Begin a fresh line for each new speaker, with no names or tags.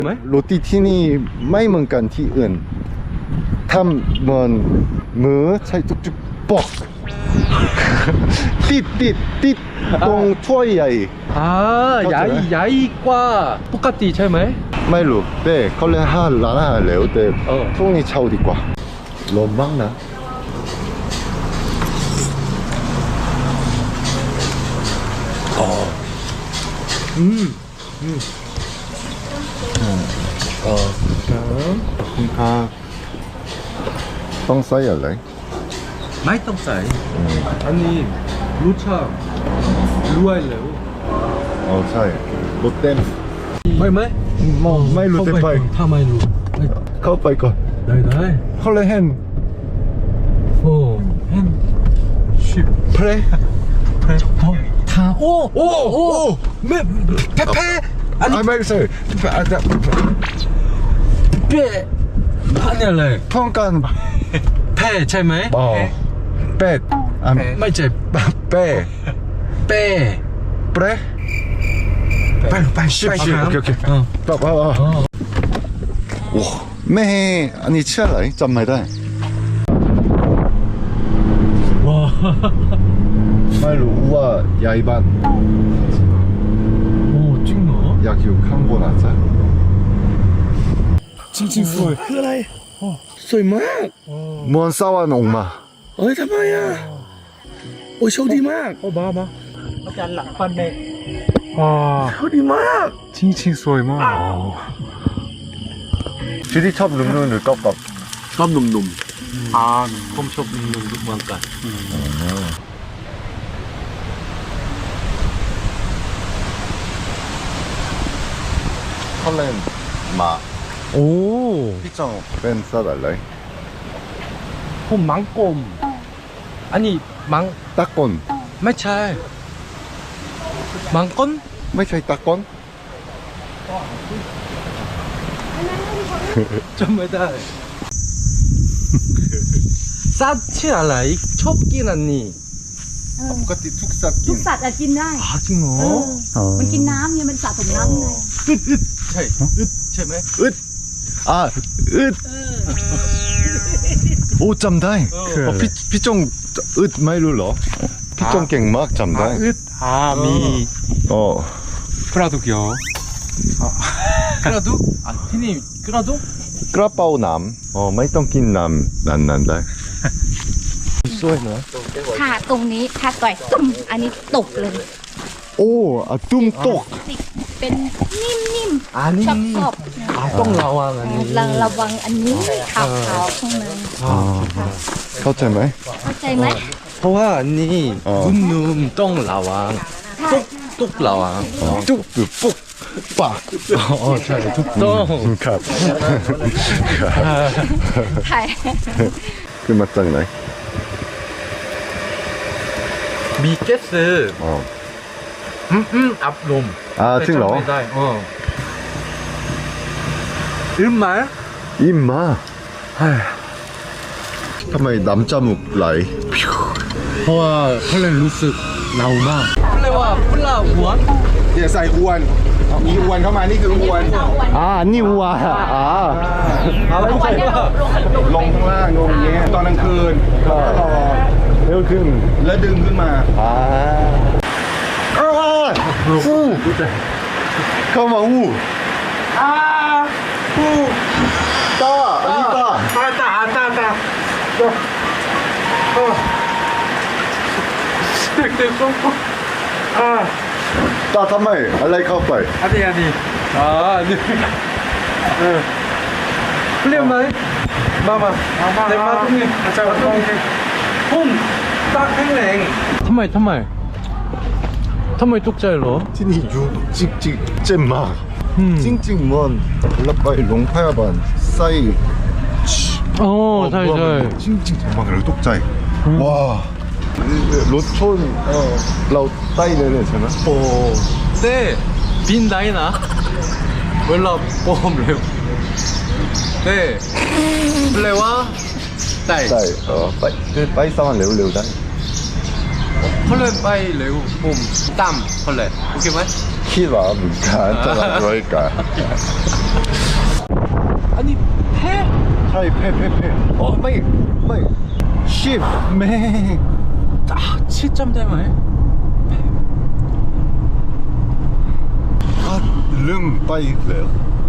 ไหม
โรตีที่นี่ไม่เหมือนกันที่อื่นทำเหมือนมือใช้จุกๆปอกติดตรงถ้วยใหญ่
ใหญ่กว่าปกติใช่ไหม
ไม่รู้แต่เขาเรียกร้านอาหารแล้วแต่พรุ่งนี้เช่าดีกว่าร้อนมากนะคุณค่ะต้องใส่อะไร
ไม่ต้องใส่อันนี้รสชาติรวยแล้ว
ใช่รถเต็ม ไม่รู้เต็มไป
ถ้าไม่รู้
เข้าไปก่อน
ได้
เขาเลยเห็น
โอ้เห็นชิบ
เพล
ทาโอ้ไม่แพ้อันนี้
ไม่ใช่
เป๊ะอันนี้อะไร
ท้องกัน
แพ้ใช่ไหม
เป็ด
ไม่ใช่
เป้
เป้
เปรไปชิบโอเคป่าวโอ้แม่อันนี้ชื่ออะไรจำไม่ได้
ว้า
ไม่รู้ว่าย้ายบ้าน
โอ้จริงเหรอ
อยากอยู่ข้างบนอาจจะ
จริงสวยคืออะไรสวยมาก
มวนสวรรค์ออกมา
เฮ้ยทำไมอ่ะโอ้ยโชคดีมากโอ้บ้าอาจารย์หลังฟันเมฆโชคดีมากจริงสวยมาก
ชีวิตชอบนุ่มๆหรือก๊อบ
ชอบหนุ่มๆผมชอบหนุ่มๆทุกวันกัน
เขาเล่นมา
โอ้
พี่จองเป็นสัตว์อะไร
ผมมังกรมอันนี้มัง
ตะกอน
ไม่ใช่มังกร
ไม่ใช่ตะกอน
จำไม่ได้สัตว์ชื่ออะไรชอบกินอันนี้
ปกติทุกสัตว์กิ
ทุ
น
กสัตว์อะกินได้
จริงเหรอ
มันกินน้ำเนี่ยมันสะสมน้ำไง
ใช่ใช่ไหม
อึดโอ้จำได้พี่จงอึดไม่รู้เหรอพี่จงเก่งมากจำได้
มี
อ๋อก
ระดูกเหรอกระดูกที่นี่กระดูก
กระเป๋าน้ำไม่ต้องกินน้ำนั้นได้สวยนะ
ถ้าตรงนี้ถ้าต่อยตุ้มอันนี้ตกเลย
โอ้ตุ้มตก
ติดเป็นนิ่ม
อันนี้
ๆชอบ
ต้องระวังอันนี้
ระวังอันนี้ขาวๆข้างใน
เข้าใจไหม
เข้าใจไหม
เพราะว่าอันนี้นุ่มๆต้องระวังตุกระวัง
จุกหรือปุ๊กปาก
ใช่ถูกต้อง
ครับ
ใช่
คือมาจากไหน
มีเกสอับลม
จริงเหรอ
ไม่ได้ไหม
อิ่มมากทำไมดำจมูกไหล
เพราะว่าเขาเลยรู้สึกเรามากเรียกว่าปลาหัว
อย่าใส่อวน มีอวนเข้ามานี่คืออวน
นี่วัว
ไม่ใช่ว่า
ลงข้างล่างลงอย่างเงี้ยตอนกลางคืนก็รอ
เร็วขึ้น
แล้วดึงขึ้นมา
เข้ามาอู้ตาอันนี้ตา
ตึก
ตาทำไมอะไรเข้าไป
อันนี้นี่เรียกไหมมาเต็มมาตรงนี้พุ่มตาแข็งแรงทำไมตกใจเหรอ
ที่นี่อยู่จริงๆเจ็บมากจริงๆมันแล้วไปโรงพยาบาลใส่
ใช่
จริงๆทำไมเราตกใจว้ารถชนเราใต้เลยใช่ไหม
โอ้เต้บินได้นะเวลาปอมเร็วเต้แปลว่าได้
ใช่ไปสวรรค์เร็วๆได้
เขาเลยไปเร็วผมตามเขาเลยโอเคไหม
คิดว่าเหมือนกันจะรับด้วยกันช่เพ่โอ้ไม่10แม่
아 7점 되면
ลืมไปแล้ว